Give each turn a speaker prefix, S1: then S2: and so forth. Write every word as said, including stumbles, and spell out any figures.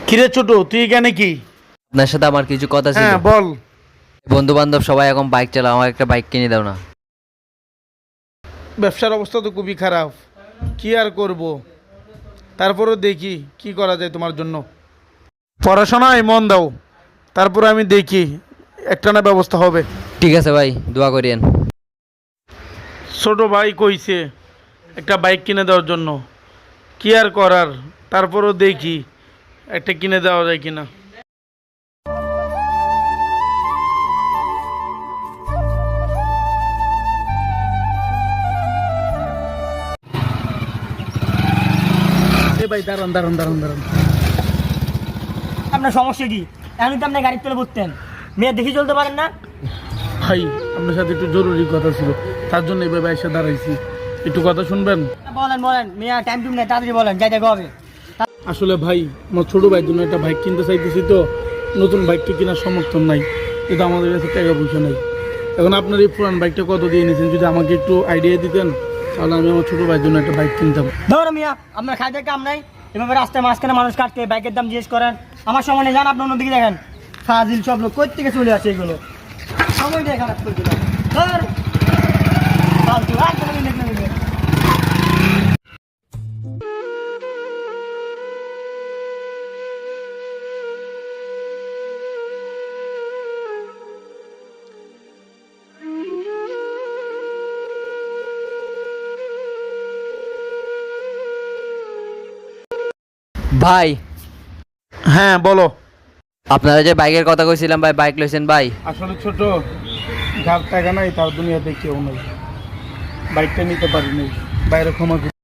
S1: কিরে ছোট, তুই এখানে কি?
S2: আপনার সাথে আমার কিছু কথা ছিল।
S1: হ্যাঁ বল।
S2: বন্ধু বান্ধব সবাই এখন বাইক চালাও, আমার একটা বাইক কিনে দাও না।
S1: ব্যবসার অবস্থা তো খুবই খারাপ, কি আর করব। তারপরও দেখি কি করা যায় তোমার জন্য। পড়াশোনায় মন দাও, তারপরে আমি দেখি একটা না ব্যবস্থা হবে।
S2: ঠিক আছে ভাই, দোয়া করিয়েন।
S1: ছোট ভাই কইছে একটা বাইক কিনে দেওয়ার জন্য, কি আর করার। তারপরও দেখি একটা কিনে দেওয়া যায় কিনা। এ ভাই দাঁড়ান দাঁড়ান দাঁড়ান দাঁড়ান।
S3: আপনার সমস্যা কি? এখন তো আপনি গাড়ির তলে বসতেন, মেয়ে দেখি চলতে পারেন না?
S1: ভাই আপনার সাথে একটু জরুরি কথা ছিল, তার জন্য এভাবে এসে দাঁড়াইছি। একটু কথা শুনবেন?
S3: বলেন বলেন, মেয়ে টাইম টুম নেই, তাড়াতাড়ি বলেন, যাই দেখো হবে।
S1: আসলে ভাই আমার ছোট ভাইয়ের জন্য একটা বাইক কিনতে চাইতেছি, তো নতুন বাইকটা কেনার সমর্থন নাই, কিন্তু আমাদের কাছে টাকা পয়সা নাই। এখন আপনার এই পুরান বাইকটা কত দিয়ে নিয়েছেন, যদি আমাকে একটু আইডিয়া দিতেন তাহলে আমি আমার ছোট ভাইয়ের জন্য একটা বাইক কিনতাম।
S3: ধরো মিয়া, আপনার খাইতে কাম নাই, এভাবে রাস্তায় মাঝখানে মানুষ কাটতে বাইকের দাম জিজ্ঞেস করেন। আমার সময় নেই, যান আপনি অন্যদিকে দেখেন। ফাজিল সব লোক কই থেকে চলে আসে এগুলো, সময় দিয়ে খারাপ করে দিলাম। ধর ফালতু একদম নেই না নেই।
S2: ভাই,
S1: হ্যাঁ বলো।
S2: আপনারা যে বাইকের কথা কইছিলাম ভাই, বাইক লইছেন ভাই?
S1: আসলে ছোট, যার টাকা নাই তার দুনিয়াতে কেউ নেই, বাইকটা নিতে পারি নাই, বাইরে ক্ষমা